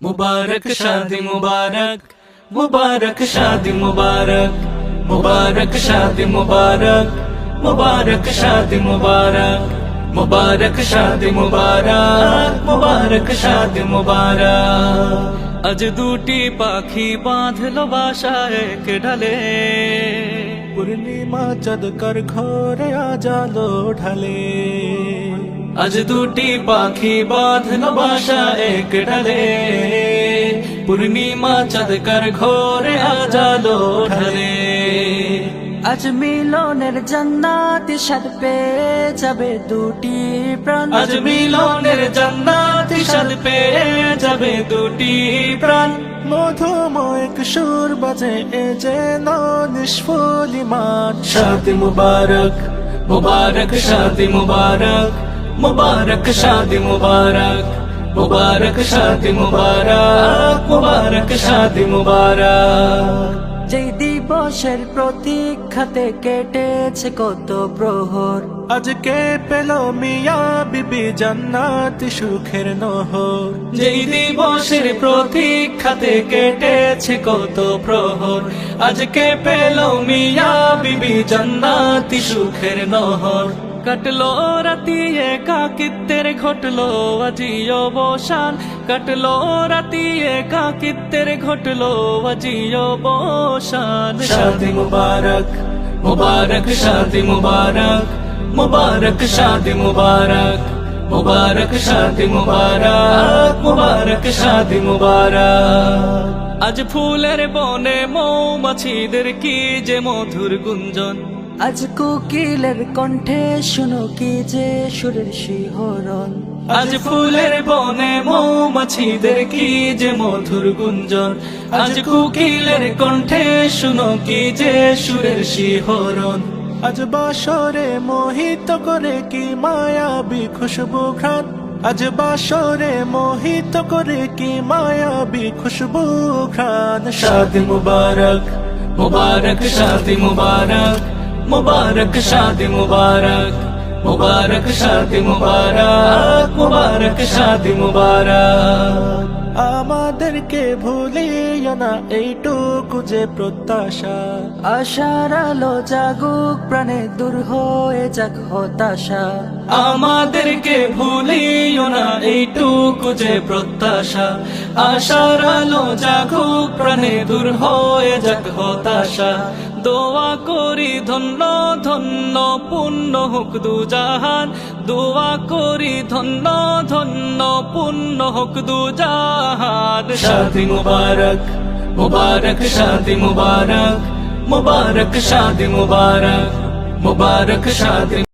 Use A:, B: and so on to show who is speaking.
A: मुबारक शादी मुबारक, मुबारक शादी मुबारक, मुबारक शादी मुबारक, मुबारक शादी मुबारक, मुबारक शादी मुबारक, मुबारक शादी मुबारक। আজ দুটি পাখি বাঁধলো বাসা এক ডালে,
B: পূর্ণিমা চাঁদ কার ঘরে আজালো ঢালে।
A: আজ দুটি পাখি বাঁধলো বাসা এক ডালে, পূর্ণিমা চাঁদ কার ঘরে আজালো ঢালে।
C: আজ মিলনের জান্নাতি স্বাদ পেয়ে যাবে দুটি প্রাণ,
A: আজ মিলনের জান্নাতি স্বাদ পেয়ে যাবে দুটি প্রাণ।
B: মধুময় সুর বাজে এ যেন নিষ্ফলিমান।
A: शादी मुबारक, मुबारक शादी मुबारक, मुबारक शादी मुबारक, मुबारक शादी मुबारक, मुबारक शादी मुबारक।
C: যেই দিবসের প্রতীক্ষাতে কেটেছে কত প্রহর,
B: আজকে পেল মিয়া বিবি জান্নাতি সুখের নহর।
A: যেই দিবসের প্রতীক্ষাতে কেটেছে কত প্রহর, আজকে পেল মিয়া বিবি জান্নাতি সুখের নহর। কাটলো রাতি একাকিত্বের ঘটলো আজি অবসান, কাটলো রাতি একাকিত্বের ঘটলো আজি অবসান। शादी मुबारक, मुबारक शादी मुबारक, मुबारक शादी मुबारक, मुबारक शादी मुबारक, मुबारक शादी मुबारक। আজ ফুলের বনে মৌমাছিদের কি যে মধুর গুঞ্জন,
C: আজ কোকিলের কণ্ঠে শুনো কি যে সুরের শিহরণ।
A: আজ ফুলের বনে মৌমাছিদের কি যে মধুর গুঞ্জন, আজ কোকিলের কণ্ঠে শুনো কি যে সুরের শিহরণ।
B: আজ বাসরে মোহিত করে কি মায়াবী খুশবু ঘ্রাণ। আজ বাসরে মোহিত করে কি মায়াবী খুশবু ঘ্রাণ।
A: शादी मुबारक, मुबारक शादी मुबारक, मुबारक शादी मुबारक, मुबारक शादी मुबारक, मुबारक शादी मुबारक।
B: আমাদেরকে ভুলিও না এইটুকু যে প্রত্যাশা।
C: আশার আলো জাগুক প্রাণে, দূর হয়ে যাক হতাশা।
A: আমাদেরকে ভুলিও না এইটুকু যে প্রত্যাশা। আশার আলো জাগুক প্রাণে, দূর হয়ে যাক হতাশা। দোয়া করি ধন্য ধন্য পুণ্য হোক দুজাহান, দোয়া করি ধন্য ধন্য পুণ্য হোক দুজাহান। शादी मुबारक, मुबारक शादी मुबारक, मुबारक शादी मुबारक, मुबारक शादी